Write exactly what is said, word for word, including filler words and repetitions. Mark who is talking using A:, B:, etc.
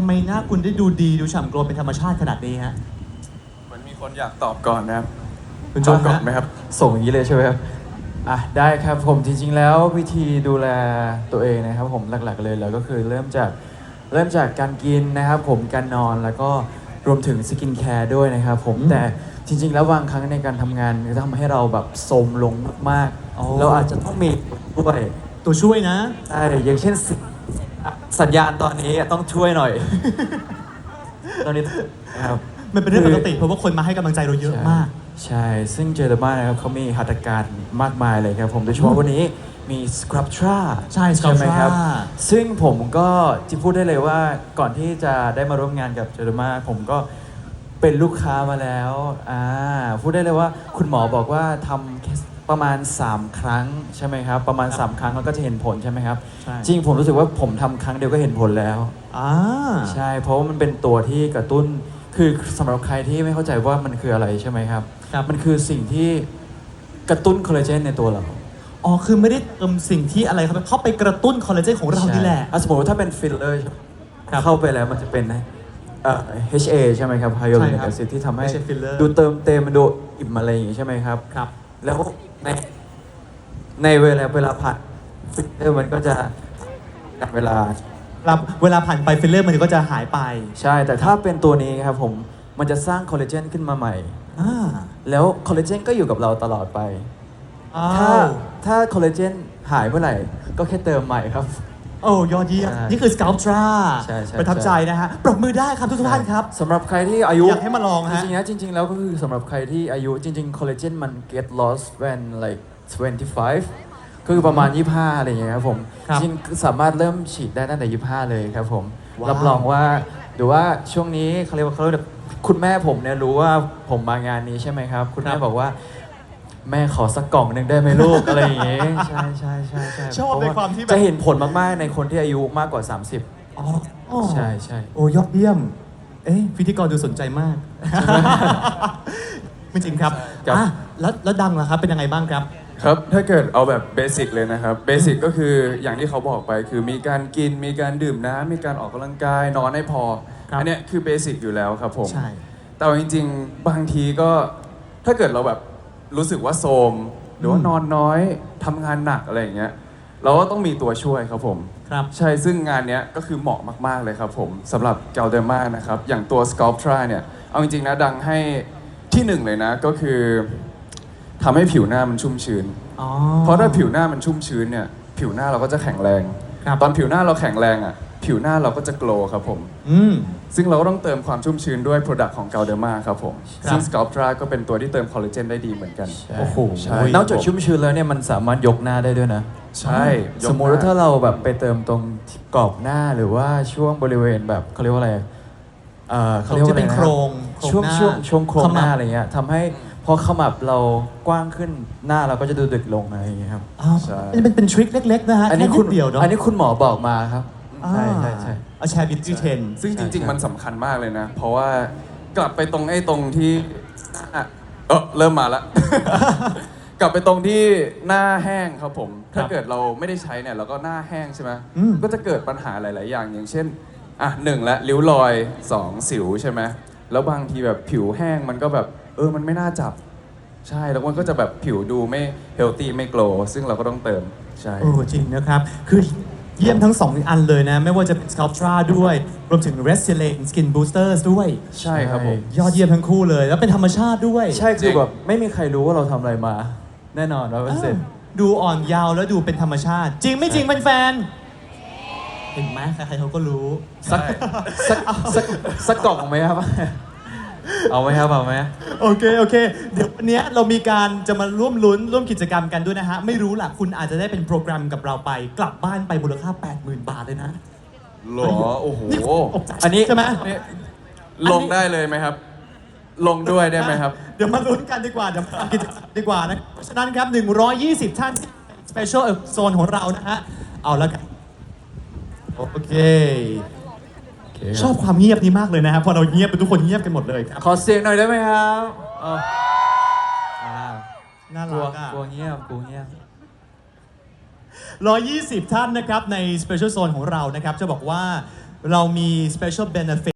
A: ไมหน้าคุณได้ดูดีดูฉ่ำโกลเป็นธรรมชาติขนาดนี้ฮะ
B: เหมือนมีคนอยากตอบก่อนนะครับ
A: คุณโจ
B: ตอบก่อน
A: ฮะ
B: ไหมครับ
C: ส่งอย่างนี้เลยใช่ไหมครับอ่ะได้ครับผมจริงๆแล้ววิธีดูแลตัวเองนะครับผมหลักๆเลยแล้วก็คือเริ่มจากเริ่มจากการกินนะครับผมการนอนแล้วก็รวมถึงสกินแคร์ด้วยนะครับผมแต่จริงๆแล้วบางครั้งในการทำงานจะทำให้เราแบบโทรมลงมาก
A: อ๋อ
C: ๆเราอาจจะต้องมีด้วย
A: ตัวช่วยนะ
C: ใช่อย่างเช่นสสัญญาณตอนนี้ต้องช่วยหน่อย ตอนนี้นะครับ
A: มันเป็นเรื่องปกติเพราะว่าคนมาให้กำลังใจเราเยอะมาก
C: ใช่ ซึ่งเจอร์มานะครับเขามีหัตถการมากมายเลยครับผม โดยเฉพาะวันนี้มีสครับทรา
A: ใช่
C: ไหมครับ
A: Sculptra
C: ซึ่งผมก็จะพูดได้เลยว่าก่อนที่จะได้มาร่วมงานกับเจอร์มาผมก็เป็นลูกค้ามาแล้วอ่าพูดได้เลยว่าคุณหมอบอกว่าทำแค่ประมาณ สาม ครั้งใช่ไหมครับ ประมาณ
A: ครับ
C: สาม ครั้งแล้วก็จะเห็นผลใช่ไหมครับ
A: ใช่
C: จริงผมรู้สึกว่าผมทำครั้งเดียวก็เห็นผลแล้ว
A: อ่า
C: ใช่ เพราะว่ามันเป็นตัวที่กระตุ้น คือสำหรับใครที่ไม่เข้าใจว่ามันคืออะไรใช่ไหมครับ
A: ครับ
C: มันคือสิ่งที่กระตุ้นคอลลาเจนในตัวเรา
A: อ๋อคือไม่ได้เติมสิ่งที่อะไรครับเข้าไปกระตุ้นคอลลาเจนของเรานี่แหละ
C: ใช่อ่สมมติว่าถ้าเป็นฟิลเลอร์
A: ครับ
C: เข้าไปแล้วมันจะเป็นเอ่อ เอช เอ ใช่ไหมครับ
A: ใช่
C: Hyaluronic
A: ครับ
C: acid ที่ทำให้
A: ไม่ใช่ filler
C: ดูเติมเต็มมันดูอิ่มอะไรอย่างงี้ใช่ไหมครับ
A: ครับ
C: แล้วในในเวลาเวลาผ่านฟิลเลอร์มันก็จะตัดเวลา
A: รับเวลาผ่านไปฟิลเลอร์มันก็จะหายไป
C: ใช่ แต่ถ้าเป็นตัวนี้ครับผมมันจะสร้างคอลลาเจนขึ้นมาใหม่
A: อ่า
C: แล้วคอลลาเจนก็อยู่กับเราตลอดไป ถ้า
A: อ้าว
C: ถ้าคอลลาเจนหายเมื่อไหร่ ก็แค่เติมใหม่ครับ
A: โอ้ยอดเยี่ยม
C: ใช่
A: นี่คือ Sculptra
C: ใช่ใช่
A: ประทับใจนะฮะ ปรบมือได้ครับทุกท่านครับ
C: สำหรับใครที่อายุ
A: อยากให้มาลองฮะ
C: จริงๆนะจริง ๆ แล้วก็คือสำหรับใครที่อายุจริง ๆ คอลลาเจนมัน get lost when like twenty-five ก็คือประมาณ ยี่สิบห้า อะไรอย่างเงี้ยครับผม
A: ครับ
C: จริงๆสามารถเริ่มฉีดได้ตั้งแต่ ยี่สิบห้า เลยครับผม
A: ว้าว
C: รับรองว่าหรือว่าช่วงนี้เขาเรียกว่าเขาเรียกว่าคุณแม่ผมเนี่ยรู้ว่าผมมางานนี้ใช่ไหมครับ คุณแม่บอกว่า แม่ขอสักกล่องหนึ่งได้ไหมลูก อะไรอย่างเงี้ยใช่ใช่ใช่ใช่
A: ชอบในความที่แบบ
C: จะเห็นผลมากๆในคนที่อายุมากกว่า สามสิบ
A: อ๋ออ๋อ
C: ใช่ใช่
A: โอ้ยอดเยี่ยม เอ๊ะพิธีกรดูสนใจมาก ไม่จริงครับ
B: ครับ
A: อ่ะแล้วแล้วดังล่ะครับ เป็นยังไงบ้างครับ
B: ครับถ้าเกิดเอาแบบเบสิกเลยนะครับเบสิกก็คืออย่างที่เขาบอกไปคือมีการกินมีการดื่มน้ำมีการออกกำลังกายนอนให้พอ
A: ครับ
B: อันเนี้ยคือเบสิกอยู่แล้วครับผม
A: ใช่
B: แต่ว่าจริงๆ บางทีก็ถ้าเกิดเราแบบรู้สึกว่าโทรมหรือว่า
A: อืม
B: นอนน้อยทำงานหนักอะไรอย่างเงี้ยเราก็ต้องมีตัวช่วยครับผม
A: ครับ
B: ใช่ซึ่งงานเนี้ยก็คือเหมาะมากๆเลยครับผมสำหรับเกลเดอร์มานะครับอย่างตัว Sculptra เนี่ยเอาจริงๆนะดังให้ที่หนึ่งเลยนะก็คือทำให้ผิวหน้ามันชุ่มชื้น
A: อ๋อ
B: เพราะถ้าผิวหน้ามันชุ่มชื้นเนี่ยผิวหน้าเราก็จะแข็งแรง
A: ครับ
B: ตอนผิวหน้าเราแข็งแรงอ่ะผิวหน้าเราก็จะโกลว์ครับผม
A: อืม
B: ซึ่งเราก็ต้องเติมความชุ่มชื้นด้วย Product ของ Galderma ครับผม
A: ครับ
B: ซึ่ง Sculptra ก็เป็นตัวที่เติมคอลลาเจนได้ดีเหมือนกัน
A: โอ้โห
B: ใช่
C: นอกจากชุ่มชื้นแล้วเนี่ยมันสามารถยกหน้าได้ด้วยนะ
B: ใช่ยก
C: สมมุติว่าถ้าเราแบบไปเติมตรงกรอบหน้าหรือว่าช่วงบริเวณแบบเขาเรียกว่าอะไรเอ่อเขาเรียกว่าอะไร
A: ที่เป็น
C: นะ
A: โครงโครง
C: ช่วง
A: หน้า
C: ช่วงช่วงโครงหน้า
A: ขมับ
C: อะไรเงี้ยทำให้พอขมับเรากว้างขึ้นหน้าเราก็จะดูดึกลงอะไรอย่างเงี้ยครับ
A: อ้าว
B: ใช่
A: อันนี้เป็นเป็นทริคเล็ก ๆ นะฮะ
C: อันนี้
A: แค่
C: คุณ
A: ดเดียวเนาะ
C: อันนี้คุณหมอบอกมาครับใช่ใช่ใช่
A: เอาแชร์บิวตี้เทรน
B: ซึ่งจริง
C: ใช่
B: ๆ มันสำคัญมากเลยนะ เพราะว่ากลับไปตรงไอ้ตรงที่อ่ะเออเริ่มมาละ กลับไปตรงที่หน้าแห้งครับผม ถ้าเกิดเราไม่ได้ใช้เนี่ยเราก็หน้าแห้งใช่ไหม
A: อืม
B: ก็จะเกิดปัญหาหลาย ๆ อย่างอย่างเช่นอ่ะหนึ่งละริ้วรอยสองสิวใช่ไหมแล้วบางทีแบบผิวแห้งมันก็แบบเออมันไม่น่าจับ ใช่แล้วมันก็จะแบบผิวดูไม่เฮลตี้ไม่โกลว์ซึ่งเราก็ต้องเติมใช่
A: โอ้จริงนะครับ คือเยี่ยมทั้งสองอันเลยนะ ไม่ว่าจะเป็น Sculptra ด้วย รวมถึง Restylane Skin Boosters ด้วย
B: ใช่ครับผม
A: ยอดเยี่ยมทั้งคู่เลย แล้วเป็นธรรมชาติด้วย
C: ใช่
B: จริ
C: คือง แบบไม่มีใครรู้ว่าเราทำอะไรมา แน่นอนร้อยเปอร์เซ็นต์
A: ดูอ่อนยาวแล้วดูเป็นธรรมชาติ จริงไม่จริงแฟนๆเห็นไหมใครๆเขาก็รู้
C: สักสักสักสักกล่องไหมครับ เอาไหมครับเอาไหม
A: โอเค โอเค เดี๋ยววันนี้เรามีการจะมาร่วมลุ้นร่วมกิจกรรมกันด้วยนะฮะ ไม่รู้ล่ะ คุณอาจจะได้เป็นโปรแกรมกับเราไป กลับบ้านไปมูลค่า แปดหมื่น บาทเลยนะ
B: หรอโอ้โห
A: นี่ตกใจ
C: อันนี้
A: ใช่ไหม
B: นี่ลงได้เลยไหมครับ ลงด้วยได้ไหมครับ
A: เดี๋ยวมาลุ้นกันดีกว่าเดี๋ยวมาทำกิจกรรมดีกว่านะเพราะฉะนั้นครับหนึ่งร้อยยี่สิบท่านสเปเชียลโซนของเรานะฮะ เอาแล้วกัน โอเค ชอบความเงียบนี้มากเลยนะครับพอเราเงียบเป็นทุกคนเงียบกันหมดเลยครับ
C: ขอเสียงหน่อยได้ไหมครับเอาเอา
A: น่า
C: ล่ะกลัว
A: รักอ่ะ
C: กลัวเงียบกลัวเงียบ
A: หนึ่งร้อยยี่สิบท่านนะครับใน Special Zone ของเรานะครับจะบอกว่าเรามี special benefit